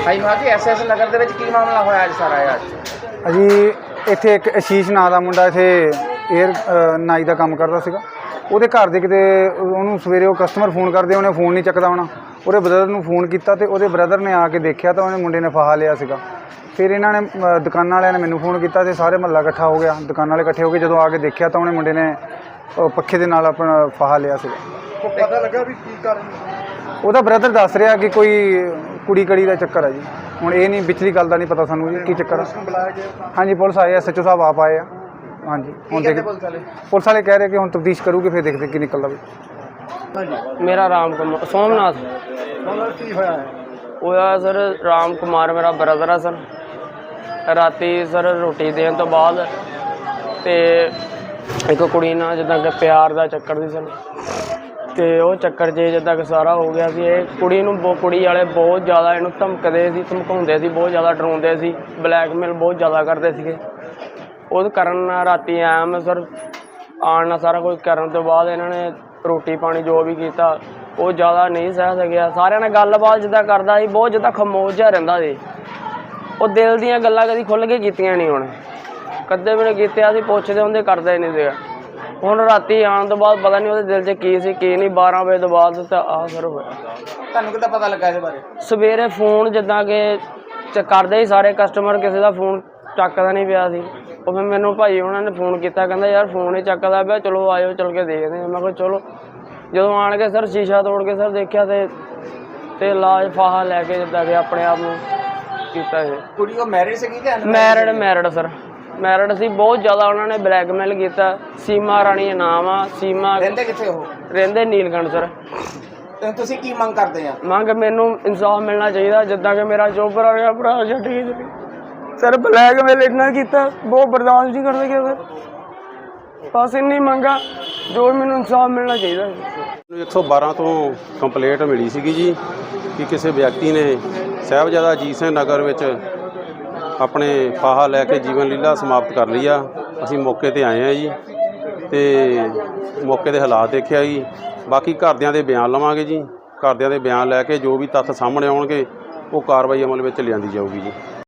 ਹਾਂਜੀ ਹਾਂ ਜੀ, SS ਨਗਰ ਦੇ ਵਿੱਚ ਕੀ ਮਾਮਲਾ ਹੋਇਆ ਅੱਜ ਸਾਰਾ ਅੱਜ? ਅਜੀ ਇੱਥੇ ਇੱਕ ਅਸ਼ੀਸ਼ ਨਾਂ ਦਾ ਮੁੰਡਾ ਇੱਥੇ ਏਅਰ ਨਾਈ ਦਾ ਕੰਮ ਕਰਦਾ ਸੀਗਾ। ਉਹਦੇ ਘਰ ਦੇ ਕਿਤੇ ਉਹਨੂੰ ਸਵੇਰੇ ਉਹ ਕਸਟਮਰ ਫੋਨ ਕਰਦੇ, ਉਹਨੇ ਫੋਨ ਨਹੀਂ ਚੱਕਦਾ ਹੋਣਾ। ਉਹਦੇ ਬ੍ਰਦਰ ਨੂੰ ਫੋਨ ਕੀਤਾ ਅਤੇ ਉਹਦੇ ਬ੍ਰਦਰ ਨੇ ਆ ਕੇ ਦੇਖਿਆ ਤਾਂ ਉਹਨੇ ਮੁੰਡੇ ਨੇ ਫਾਹਾ ਲਿਆ ਸੀਗਾ। ਫਿਰ ਇਹਨਾਂ ਨੇ ਦੁਕਾਨਾਂ ਵਾਲਿਆਂ ਨੇ ਮੈਨੂੰ ਫੋਨ ਕੀਤਾ ਅਤੇ ਸਾਰੇ ਮਹੱਲਾ ਇਕੱਠਾ ਹੋ ਗਿਆ। ਦੁਕਾਨਾਂ ਵਾਲੇ ਇਕੱਠੇ ਹੋ ਕੇ ਜਦੋਂ ਆ ਕੇ ਦੇਖਿਆ ਤਾਂ ਉਹਨੇ ਮੁੰਡੇ ਨੇ ਪੱਖੇ ਦੇ ਨਾਲ ਆਪਣਾ ਫਾਹਾ ਲਿਆ ਸੀਗਾ। ਪਤਾ ਲੱਗਾ ਵੀ ਕੀ ਕਾਰਨ? ਉਹਦਾ ਬ੍ਰਦਰ ਦੱਸ ਰਿਹਾ ਕਿ ਕੋਈ ਕੁੜੀ ਕੜੀ ਦਾ ਚੱਕਰ ਹੈ ਜੀ। ਹੁਣ ਇਹ ਨਹੀਂ, ਵਿਚਲੀ ਗੱਲ ਦਾ ਨਹੀਂ ਪਤਾ ਸਾਨੂੰ ਜੀ ਕੀ ਚੱਕਰ ਆ। ਹਾਂਜੀ, ਪੁਲਿਸ ਆਏ, SHO ਸਾਹਿਬ ਆਪ ਆਏ ਆ। ਹਾਂਜੀ, ਹੁਣ ਦੇਖ ਪੁਲਿਸ ਵਾਲੇ ਕਹਿ ਰਹੇ ਕਿ ਹੁਣ ਤਫਤੀਸ਼ ਕਰੂਗੇ, ਫਿਰ ਦੇਖਦੇ ਕੀ ਨਿਕਲਦਾ ਵੀ। ਮੇਰਾ ਰਾਮ ਕੁਮਾਰ ਸੋਮਨਾਥ ਕੀ ਹੋਇਆ ਹੈ? ਹੋਇਆ ਸਰ, ਰਾਮ ਕੁਮਾਰ ਮੇਰਾ ਬ੍ਰਦਰ ਆ ਸਰ। ਰਾਤੀ ਸਰ ਰੋਟੀ ਦੇਣ ਤੋਂ ਬਾਅਦ ਤੇ ਇੱਕ ਕੁੜੀ ਨਾਲ ਜਿੱਦਾਂ ਕਿ ਪਿਆਰ ਦਾ ਚੱਕਰ ਸੀ ਸਰ, ਤੇ ਉਹ ਚੱਕਰ 'ਚ ਜਿੱਦਾਂ ਕਿ ਸਾਰਾ ਹੋ ਗਿਆ ਸੀ। ਇਹ ਕੁੜੀ ਨੂੰ ਕੁੜੀ ਵਾਲੇ ਬਹੁਤ ਜ਼ਿਆਦਾ ਇਹਨੂੰ ਧਮਕਦੇ ਸੀ, ਧਮਕਾਉਂਦੇ ਸੀ, ਬਹੁਤ ਜ਼ਿਆਦਾ ਡਰਾਉਂਦੇ ਸੀ, ਬਲੈਕਮੇਲ ਬਹੁਤ ਜ਼ਿਆਦਾ ਕਰਦੇ ਸੀਗੇ। ਉਹਦੇ ਕਾਰਨ ਨਾਲ ਰਾਤੀ ਆਇਆ ਮੈਂ ਸਰ, ਆਉਣ ਨਾਲ ਸਾਰਾ ਕੁਝ ਕਰਨ ਤੋਂ ਬਾਅਦ ਇਹਨਾਂ ਨੇ ਰੋਟੀ ਪਾਣੀ ਜੋ ਵੀ ਕੀਤਾ ਉਹ ਜ਼ਿਆਦਾ ਨਹੀਂ ਸਹਿ ਸਕਿਆ। ਸਾਰਿਆਂ ਨਾਲ ਗੱਲਬਾਤ ਜਿੱਦਾਂ ਕਰਦਾ ਸੀ, ਬਹੁਤ ਜਿੱਦਾਂ ਖਾਮੋਸ਼ ਜਿਹਾ ਰਹਿੰਦਾ ਸੀ। ਉਹ ਦਿਲ ਦੀਆਂ ਗੱਲਾਂ ਕਦੀ ਖੁੱਲ੍ਹ ਕੇ ਕੀਤੀਆਂ ਨਹੀਂ, ਹੁਣ ਕਦੇ ਵੀ ਨਹੀਂ ਕੀਤੀਆਂ। ਅਸੀਂ ਪੁੱਛਦੇ ਹੁੰਦੇ, ਕਰਦਾ ਹੀ ਨਹੀਂ ਸੀਗਾ। ਹੁਣ ਰਾਤੀ ਆਉਣ ਤੋਂ ਬਾਅਦ ਪਤਾ ਨਹੀਂ ਉਹਦੇ ਦਿਲ 'ਚ ਕੀ ਸੀ ਕੀ ਨਹੀਂ। 12 ਵਜੇ ਤੋਂ ਬਾਅਦ ਤਾਂ ਆਹ ਸਰ ਹੋਇਆ। ਤੁਹਾਨੂੰ ਕਿੱਦਾਂ ਪਤਾ ਲੱਗਾ ਇਹਦੇ ਬਾਰੇ? ਸਵੇਰੇ ਫੋਨ ਜਿੱਦਾਂ ਕਿ ਕਰਦੇ ਹੀ ਸਾਰੇ ਕਸਟਮਰ, ਕਿਸੇ ਦਾ ਫੋਨ ਚੱਕਦਾ ਨਹੀਂ ਪਿਆ ਸੀ। ਉਹ ਫਿਰ ਮੈਨੂੰ ਭਾਈ ਉਹਨਾਂ ਨੇ ਫੋਨ ਕੀਤਾ, ਕਹਿੰਦਾ ਯਾਰ ਫੋਨ ਹੀ ਚੱਕਦਾ ਪਿਆ, ਚਲੋ ਆਇਓ ਚੱਲ ਕੇ ਦੇਖਦੇ ਹਾਂ। ਮੈਂ ਕਿਹਾ ਚਲੋ। ਜਦੋਂ ਆਣ ਕੇ ਸਰ ਸ਼ੀਸ਼ਾ ਤੋੜ ਕੇ ਸਰ ਦੇਖਿਆ ਤੇ ਇਲਾਜ ਫਾਹਾ ਲੈ ਕੇ ਜਿੱਦਾਂ ਕਿ ਆਪਣੇ ਆਪ ਨੂੰ ਕੀਤਾ ਇਹ। ਕੁੜੀ ਉਹ ਮੈਰਿਡ ਸੀਗੀ ਕਿ ਮੈਰਿਡ ਸਰ, ਮੈਰਿਡ ਸੀ। ਬਹੁਤ ਜ਼ਿਆਦਾ ਉਹਨਾਂ ਨੇ ਬਲੈਕਮੇਲ ਕੀਤਾ। ਸੀਮਾ ਰਾਣੀ ਨਾਮ ਆ। ਸੀਮਾ ਰਹਿੰਦੇ ਕਿੱਥੇ ਉਹ? ਰਹਿੰਦੇ ਨੀਲਕੰਠ ਸਰ। ਤੇ ਤੁਸੀਂ ਕੀ ਮੰਗ ਕਰਦੇ ਆ? ਮੰਗ ਮੈਨੂੰ ਇਨਸਾਫ ਮਿਲਣਾ ਚਾਹੀਦਾ, ਜਿੱਦਾਂ ਕਿ ਮੇਰਾ ਚੋਬਰ ਆ ਗਿਆ ਭਰਾ ਛੱਡ ਕੇ ਸਰ। ਬਲੈਕਮੇਲ ਇੰਨਾ ਕੀਤਾ, ਬਹੁਤ ਬਰਦਾਸ਼ਤ ਨਹੀਂ ਕਰ ਸਕਿਆ ਸਰ। ਬਸ ਇੰਨੀ ਮੰਗਾ, ਜੋ ਮੈਨੂੰ ਇਨਸਾਫ ਮਿਲਣਾ ਚਾਹੀਦਾ। 112 ਤੋਂ ਕੰਪਲੇਂਟ ਮਿਲੀ ਸੀਗੀ ਜੀ ਕਿ ਕਿਸੇ ਵਿਅਕਤੀ ਨੇ ਸਾਹਿਬਜ਼ਾਦਾ ਅਜੀਤ ਸਿੰਘ ਨਗਰ ਵਿੱਚ ਆਪਣੇ ਫਾਹਾ ਲੈ ਕੇ ਜੀਵਨ ਲੀਲਾ ਸਮਾਪਤ ਕਰ ਲਈ ਆ। ਅਸੀਂ ਮੌਕੇ ਤੇ ਆਏ ਆ ਜੀ, ਤੇ ਮੌਕੇ ਦੇ ਹਾਲਾਤ ਦੇਖਿਆ ਜੀ। ਬਾਕੀ ਘਰਦਿਆਂ ਦੇ ਬਿਆਨ ਲਵਾਂਗੇ ਜੀ। ਘਰਦਿਆਂ ਦੇ ਬਿਆਨ ਲੈ ਕੇ ਜੋ ਵੀ ਤੱਥ ਸਾਹਮਣੇ ਆਉਣਗੇ ਉਹ ਕਾਰਵਾਈ ਅਮਲ ਵਿੱਚ ਲਿਆਂਦੀ ਜਾਊਗੀ ਜੀ।